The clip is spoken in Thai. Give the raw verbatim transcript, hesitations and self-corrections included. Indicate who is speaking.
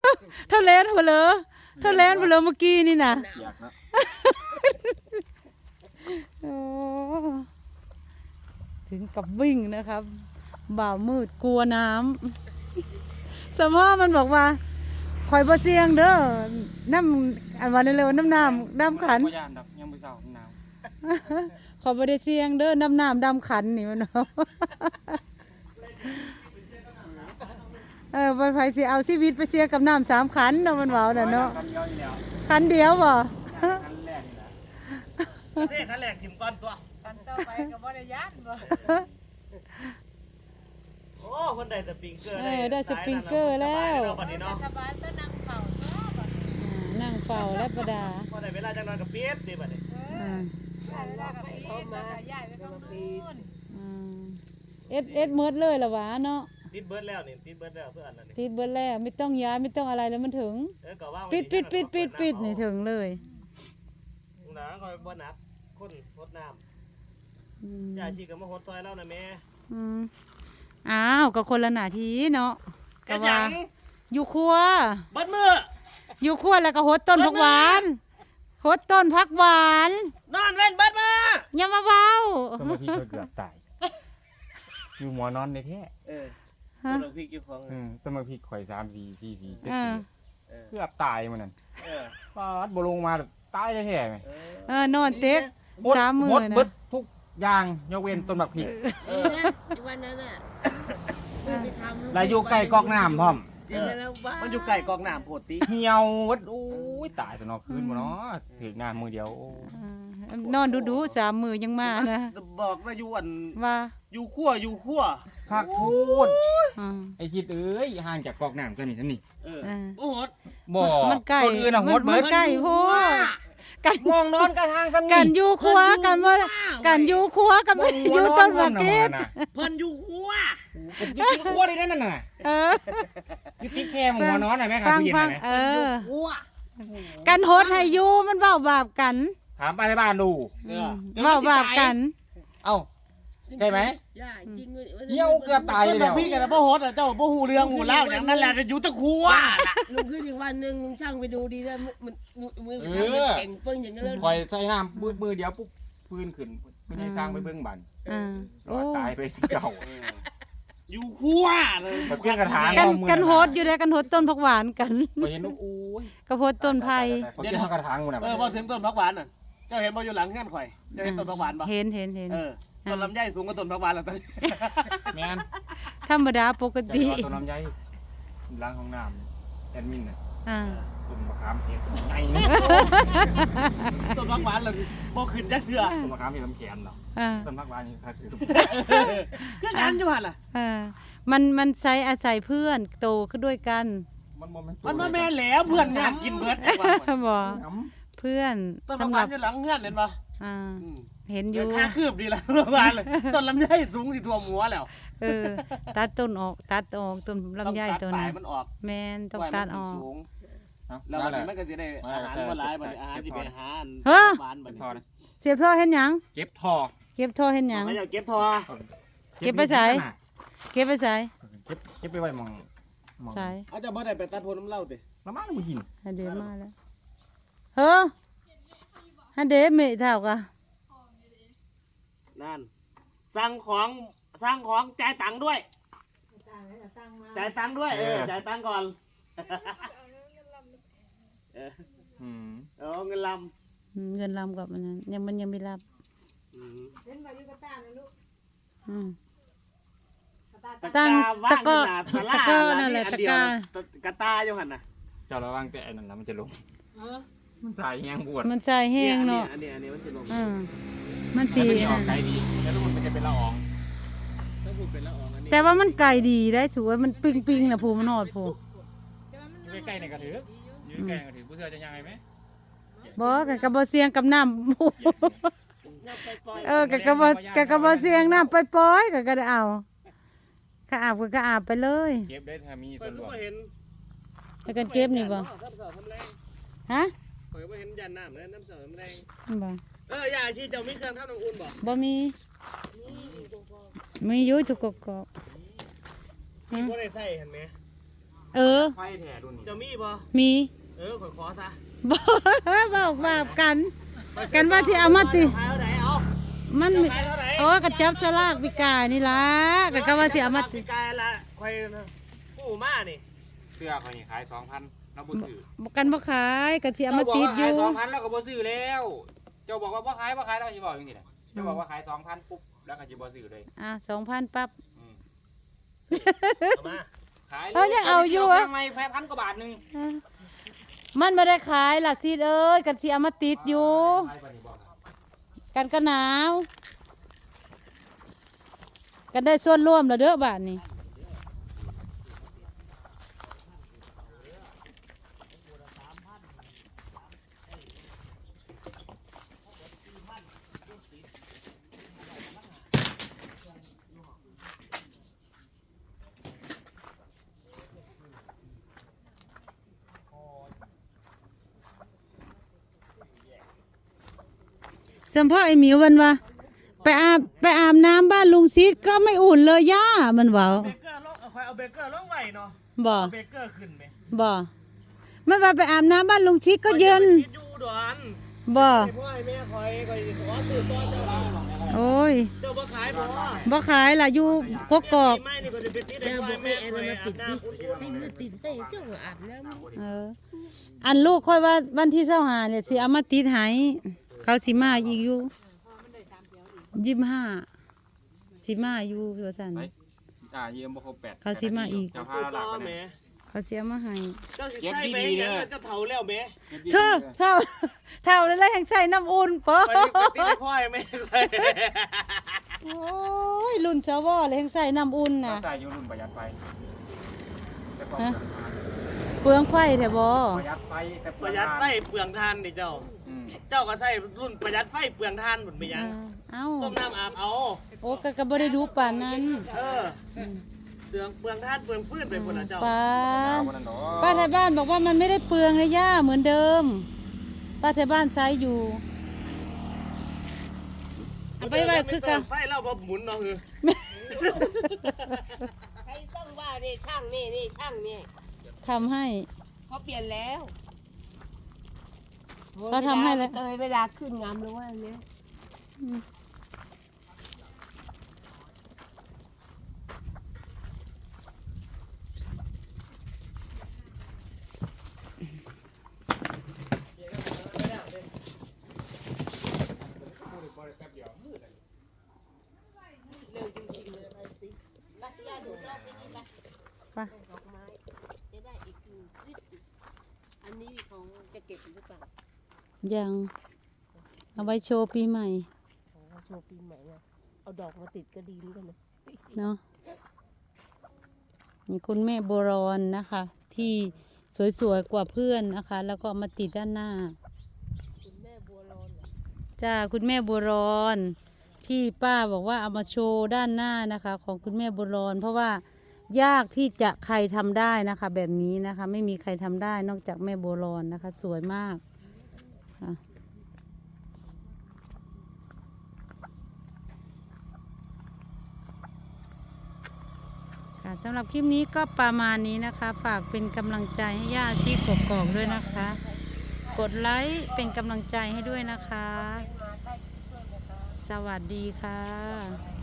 Speaker 1: เท่าแลนเพลอเท่าแลนเพลอเมื่อกี้นี่นะโอ้ถึงกับวิ่งนะครับบ่าวมืดกลัวน้ำสมอมันบอกว่าคอยบ่เสียงเด้อน้ำอันวันเร็วน้ำน้ำดำขัน
Speaker 2: ยังไม่เศร้าหนาว
Speaker 1: ขอบ่ได้เสียงเด้อน้ำน้ำดำขันนี่มันเนาะเออวันไฟสิเอาชีวิตไปเสียกับน้ำสามขันเนาะมันเว้าน่ะเนาะขันเดียวบ่
Speaker 2: ขันแรกนี่แหละเท่ขันแรกถิ่มก้อนตัว
Speaker 3: ขันต่อไปก็บ่ได้ยันบ่
Speaker 2: โอ้คนได้สปริงเกอร์
Speaker 1: เออได้สปริงเกอร์แล้ว
Speaker 3: สบายก็นั่งเฝ้าตัวบ่
Speaker 1: นั่งเฝ้าและประดา
Speaker 2: พอได้เวลาจังนอนกับเปี๊ยบดีบัดนี้
Speaker 3: เออได้เวลากับปีนแล้วก็ย้ายไปทางนู้น
Speaker 1: อืมเอ็ดเอ็ดเมิดเลยล่ะหวาเนาะ
Speaker 2: ติดเบิร์ดแล้วนี่ติดเบิร์ดแล้วเพื่อนนั่นนี่
Speaker 1: ติดเบิดแล้วไม่ต้องย้ายไม่ต้องอะไรแล้วมันถึง
Speaker 2: เออก็ว่า
Speaker 1: ปิดปิดปิดปิดปิดนี่ถึงเลย
Speaker 2: หนาคอยบ่หนักคนรดน้ำยาชีก็มาหดซอยแล้วนะแม่
Speaker 1: อืมอ้าวก็คนละหน้าที่เนาะ
Speaker 2: ก็ว่า
Speaker 1: อยู่ครัว
Speaker 2: บัดมือ
Speaker 1: อยู่ครัวแล้วก็หดต้นผักหวานหดต้นผักหวาน
Speaker 2: นอนเล่นบัดมือ
Speaker 1: อย่ามาเว้า
Speaker 4: ต้นมะพริกเกือบตายอยู่หมอนอนในแท้
Speaker 2: เออต้นมะพริกอยู่ของ
Speaker 4: ต้นมะพริกข่อยสามสี่สี่สี่เจ็ด
Speaker 1: สี่
Speaker 4: เกือบตายมันนั่นฟาดบ่ลงมาตายแท้ไหม
Speaker 1: เออนอนเต็กสามมือนะ
Speaker 4: หมดทุกอย่างยกเว้นต้นมะพริก
Speaker 3: เออวันนั้นน่ะไปทำ
Speaker 4: แล้วอยู่ใกล้กอกน้ำพร้อม
Speaker 2: มันอยู่ใกล้กอกน้ำโพดติ
Speaker 4: เหี่ยววัดโอ้ยตายตอนนอนคืนบ่เนาะถึงหน้ามือเดียวน
Speaker 1: อนดูๆสามมือยังมานะ
Speaker 2: บอกว่าอยู่อัน
Speaker 1: ว่า
Speaker 2: อยู่ขั้วอยู่ขั้ว
Speaker 4: คักพูดไอ้คิดเอ้ยห่างจากกอกน้ำซะนี่ซั่นนี่
Speaker 2: เออโอ้โห
Speaker 4: บ่
Speaker 1: มันใกล้
Speaker 4: คนอื่นน่ะโหดเหมือน
Speaker 1: ใกล้โห
Speaker 4: กันมองนอนกันห่างกัน
Speaker 1: กันอยู่ครัวกันว่ากันอยู่ครัวกันอยู่ต้นมะเขือ
Speaker 2: เพิ่นอยู่ครัว
Speaker 4: อยู่ที่ครัวได้นั่นน่ะ
Speaker 1: เออ
Speaker 4: อยู่ที่แคมหัวนอนน่ะแม่ครับผู้หญิงน่ะ
Speaker 1: เออกันโหดให้อยู่มันเว้าบาปกัน
Speaker 4: ถามไปในบ้านดู
Speaker 1: เออเว้าบาปกัน
Speaker 4: เอ้าใช่ไหม
Speaker 3: จริง
Speaker 4: เหี่ยวเกือบตายแล้ว
Speaker 2: พี่กันบ่โหดอ่ะเจ้าบ่ฮู้เรื่องฮู้เล่าอย่างนั้นแหละอยู่ตะครัวล่ะ
Speaker 3: ลุงขึ้นอีกวันนึงลุงช่างไปดูดีแล้วมันมือมันแข็งเปิ้งอย่างนั้นเลย
Speaker 4: คอยใส่น้ำมือมือเดียวปุ๊บพื้นขึ้นไม่ได้สร้างไปเบิ่งบันรอดตายไปสิเจ้า
Speaker 2: อยู่ครัวเลย
Speaker 4: เพื่อนกระถาง
Speaker 1: กันกันโหดอยู่ได้กันโหดต้นผักหวานกัน
Speaker 4: ไปเห็นโอ้ย
Speaker 1: กระโหดต้นไผ่
Speaker 4: เดี๋ยวกระถางมัน
Speaker 2: เออพอถึงต้นผักหวานน่ะเจ้าเห็นบ่อยู่หลังเฮือนข่อยเจ้าเห็นต้นผักหวานบ่
Speaker 1: เห็นเห็นเห็น
Speaker 2: เออต้นลำไยสูงกว่าต้นผักหวานแล้วตอนนี้
Speaker 4: แม่น
Speaker 1: ธรรมดาปกติ
Speaker 4: ต้นลำไยล้างห้องน้ำแอดมินน่ะ
Speaker 1: อ่า
Speaker 4: ต้นมะขามเห็ดใหญ่
Speaker 2: ต้นผักหวานแล้วบ่ขึ้นจักเทื่อ
Speaker 4: ต้นมะขามเห็ดลำแขนเนาะต้นผักหวานนี่ถ้าคือ
Speaker 2: คือกันอยู่หั่นล่ะ
Speaker 1: เออมันมันใช้อาศัยเพื่อนโตขึ้นด้วยกัน
Speaker 4: มันบ่แม่น
Speaker 2: มันบ่แม่นแล้วเพื่อนงานกินเบิดจังว่า
Speaker 1: บ่เพื่อน
Speaker 2: ต้นผักหวานอยู่หลังเฮือนเห็นบ่
Speaker 1: อ่าเห็นอยู่
Speaker 2: ค่าคืบดีแล้วประมาณเลยต้นลำไยสูงสิท่วมหัวแล้ว
Speaker 1: เออตัดต้นออกตัดออกต้นลำไยตัวนั้น
Speaker 2: มันออก
Speaker 1: แม่นต้องตัดออก
Speaker 2: แล้วมันก็จะได้อาหารมาหลายบัดอาหารที่เป็นอาหารหวานบัดนี้
Speaker 1: เสียบท่อเห็นหยัง
Speaker 4: เก็บท่อ
Speaker 1: เก็บท่อเห็นหยัง
Speaker 2: เขาอยากเก็บท่อ
Speaker 1: เก็บไปใส่เก็บไปใส่
Speaker 4: เก็บเก็บไปไว้มอง
Speaker 1: ใส่
Speaker 2: อาจจะบ่ได้ไปตัดโพน้ำเหล้าติ
Speaker 4: น้ำมันบ่กิน
Speaker 1: เดี๋ยวมาแล้วเฮ้อฮันเดเมเท่ากะ
Speaker 2: นั่นสั่งของสั่งของจ่ายตังค์ด้วยจ่ายตังค์ด้วยเออจ่ายตังค์ก่อนเออเออเงินล
Speaker 1: ำเงินลำกับมันยังมันยังไม่รับ
Speaker 2: ตังตะก้อตะก้อ
Speaker 1: นั่นแหละตะก้
Speaker 2: ากระตาอยู่หันน่ะ
Speaker 4: เจ้าระวังแต่นั่นนะมันจะลงมันใส่แห้งบวช
Speaker 1: มันใส่แห้งเนาะ
Speaker 2: อันนี้อันนี้มันจะลง
Speaker 1: มันสี
Speaker 4: ออกไกลดีแล้วมันจะเป็นละออง
Speaker 1: แต่ว่ามันไก่ดีได้สวยมันปิ้งปิ้งนะผูมันนอดผู
Speaker 4: ใกล้ๆในกระถือยืนใกล้กระถือผู้เธอจะยังไงไหม
Speaker 1: บอกกับกระบอกเสียงกับน้ำเออกับกระบอกกับกระบอกเสียงน้ำไปปล่อยกับกระเอาข้าอาบกับข้าอาบไปเลย
Speaker 4: เก็บได้ถ้ามีส่วนรวม
Speaker 1: ให้กันเก็บนี่บ่ฮะ
Speaker 2: ข่อยบ่เห็นยันน้ำเลยน้ำเสริมแรง
Speaker 1: บ่
Speaker 2: เออยาชีเจ้ามีเครื่องทำน้ำอุ่นบ่
Speaker 1: บ่มีมีอยู่ทุกกอก
Speaker 2: มีบ่ได้ใส่เห็นไหม
Speaker 1: เออ
Speaker 4: ไฟแท้รุ่นนี้
Speaker 2: จะมีบ่
Speaker 1: มี
Speaker 2: เออขอขอซะ
Speaker 1: บอกบอกบาปกัน กันว่าสิเอามาติ
Speaker 2: ขายเท่าไหร่เอา
Speaker 1: มัน
Speaker 2: จะขายเท่าไหร่
Speaker 1: โอ้กระจับสลากปีกายนี่ล่ะก็ก็ว่าสิเอามาติ
Speaker 2: ปีกายละคอยผู้มานี่
Speaker 4: เสื้อเขานี่ขายสองพันเราบ่ซื้อ
Speaker 1: บอกกันบ่ขายก็สิเอามาติดอยู่
Speaker 4: เจ้าบอกว่าขายสองพันแล้วก็บ่ซื้อแล้ว เจ้าบอกว่าบ่ขายบ่ขายแล้วก็สิบอกอย่างนี้แหละเจ้าบอกว่าขายสองพันปุ๊บแล้วก็สิบ่ซื้อเลย
Speaker 1: อ่ะสองพันปั๊บ
Speaker 4: อืม
Speaker 2: เอามา
Speaker 4: ขาย
Speaker 1: เอ้ยยังเอาอยู่อะ
Speaker 4: ทำไมแพ้พันกว่าบาทหนึง
Speaker 1: มันไม่ได้ขายล่ะซีดเอ้ยกันสิเอามาติดอยู่
Speaker 4: ขายปานนี้บ่ครับ
Speaker 1: กันก็หนาว กันได้ส่วนร่วมแล้วเด้อบาทนี้สัมพ่อไอ้หมิวมันว่าไปอาบไปอาบน้ำบ้านลุงซีดก็ไม่อุ่นเลยย่ามันว่า
Speaker 2: เบเกอร์ลงเอาคอยเอาเบเกอร์ลงไว้เนาะ
Speaker 1: บ่
Speaker 2: เอาเบเกอร์ขึ้นไหม
Speaker 1: บ่มันว่าไปอาบน้ำบ้านลุงซีดก็เย็น
Speaker 2: ข้อจะไปคิดอยู่ด่วน
Speaker 1: บ่
Speaker 2: ไอ้พ่อไอ้แม่คอยคอยขอซื้อต้อนเจ้าบ้าน
Speaker 1: โอ้ย
Speaker 2: เจ้าบ่ขายบ่
Speaker 1: บ่ขายล่ะอยู่กกอก
Speaker 2: ไม่นี่ก็จะเป็นที่ได้
Speaker 3: เดี๋ยว
Speaker 2: พ่อ
Speaker 3: บอก
Speaker 2: แม่
Speaker 3: ให้
Speaker 2: ค
Speaker 3: อัน
Speaker 2: อย
Speaker 3: นั้นมา
Speaker 2: อา
Speaker 3: ติ
Speaker 2: บ
Speaker 3: ด
Speaker 2: น้
Speaker 3: ดิให้มันติดให้เจ้าอาบน้ำ
Speaker 1: เอออันลูกค่อยว่าวันที่เช้าหาเนี่ยสิเอามาติดให้เขาสิมาอีกอยู่ยี่สิบห้าสิมาอยู่ว่าซั่น
Speaker 4: ไปอ่ายืมบ่ครบแปด
Speaker 1: เขาสิมาอีก
Speaker 4: เจ้า
Speaker 2: ำ
Speaker 4: พา
Speaker 2: ซื้อ
Speaker 4: หลั
Speaker 2: ต่
Speaker 4: ก
Speaker 2: อ
Speaker 4: ไป
Speaker 2: แห
Speaker 4: ไห
Speaker 2: ม่
Speaker 1: เขาสิเอามาให้
Speaker 2: เจ้าสิใส่ไปยังเจ้าเฒ่าแล้วแหม่
Speaker 1: เธอเท่าเท่าแล้วแห่งใส่น้ำอุ่นปอ
Speaker 2: คอยไปที่ได้พ่อไอ้แม่คอย
Speaker 1: โอ้ยรุ่นสวเลยแห่งใส่น้ำอุ่น
Speaker 4: เรา
Speaker 1: น่ะ
Speaker 4: ใส่อยู่รุ่นประหยัดไฟแต่ก็
Speaker 1: ฮะ เปลืองไฟแท้บ่
Speaker 4: ประหยัดไฟแต่
Speaker 2: ประหยัดไฟเปลืองทานดิเจ้า
Speaker 4: อืม
Speaker 2: เจ้าก็ใส่รุ่นประหยัดไฟเปลืองทานหมดไปยัง
Speaker 1: เอ้า
Speaker 2: ต้มน้ำอาบเอา
Speaker 1: โอ้ก็ก็บ่ได้ดูปานนั้น
Speaker 2: เออเปลืองเปลืองทานเปลืองฟืนไปหมดนะเจ้า
Speaker 1: ป้า
Speaker 4: เอาวันนั้นดอก
Speaker 1: ป้าไทยบ้านบอกว่ามันไม่ได้เปลืองเลยย่าเหมือนเดิม ป้าไทยบ้านใช้อยู่เอาไปไว้คือกัน
Speaker 2: ไฟเราบ่หมุนเนาะคือ
Speaker 3: ใครต้องว่านี่ช่างนี่นี่ช่างนี่
Speaker 1: ทำให้
Speaker 3: เขาเปลี่ยนแล้ว
Speaker 1: เขาทำให้แล้ว
Speaker 3: เตยเวลาขึ้นงามเลยว่าอันเนี้ย
Speaker 1: อืม
Speaker 3: เร็วจริงๆเลยไปสิไปย่าดูรอบนี้ไป
Speaker 1: ไป
Speaker 3: ดอกไม้จะได้อีกกิ่งนิดอันนี้ของจะเก็บหรือเปล่า
Speaker 1: ยังเอาไว้โชว์ปีใหม่
Speaker 3: ของโชว์ปีใหม่ไงเอาดอกมาติดก็ดีเหมือนกันนะ
Speaker 1: เนาะนี่คุณแม่โบรอนนะคะ ที่สวยๆกว่าเพื่อนนะคะ แล้วก็เอามาติดด้านหน้า
Speaker 3: คุณแม่บัวรอนเหรอ
Speaker 1: จ้าคุณแม่บัวรอนที่ป้าบอกว่าเอามาโชว์ด้านหน้านะคะ ของคุณแม่บัวรอน เพราะว่ายากที่จะใครทำได้นะคะ แบบนี้นะคะ ไม่มีใครทำได้นอกจากแม่บัวรอนนะคะ สวยมากค่ะค่ะสำหรับคลิปนี้ก็ประมาณนี้นะคะ ฝากเป็นกำลังใจให้ย่าชีกกอกด้วยนะคะ กดไลค์เป็นกำลังใจให้ด้วยนะคะ สวัสดีค่ะ